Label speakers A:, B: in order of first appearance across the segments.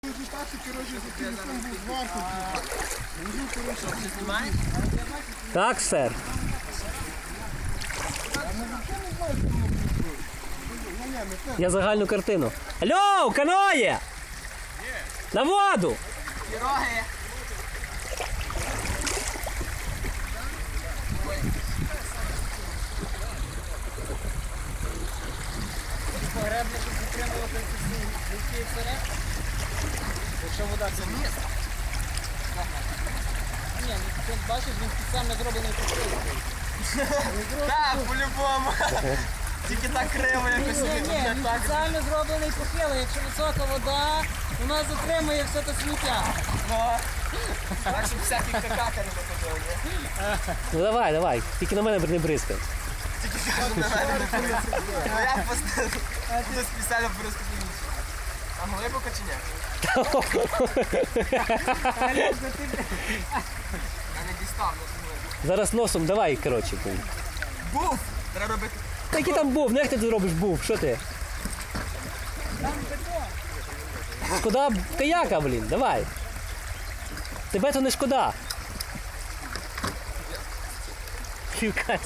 A: результати, коротше, за телефон був варто. Вожу, коротше,
B: Знімає?
C: Так, сер.
A: я взагалі не знаю, що воно працює.
C: Я загальну картину. Алло, каноє! На воду!
B: Піроги. Погребля тут підтримувати ці вперед. Якщо вода це вниз. Ні, ну ти бачиш, він спеціально зроблений підтримку. Так, по-любому. Тільки так криво якось.
D: Ні, він спеціально зроблений похил. Якщо висока вода, у нас затримує все те сміття.
B: Так, щоб всякі какака не виходили.
C: Ну давай, давай. Тільки на мене не бризкай.
B: Ну я буду спеціально бризкати. А глибоко чи ні? Я не дістав, не глибоко.
C: Зараз носом давай, коротше.
B: Буф! Треба робити.
C: Та який там був? Ну як ти тут робиш був? Що ти? Шкода каяка, блін, давай. Тебе то не шкода. Півкасті.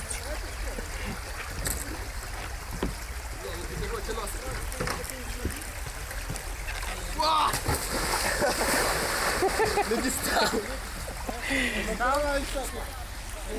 B: Не дістав.
A: Давай, так.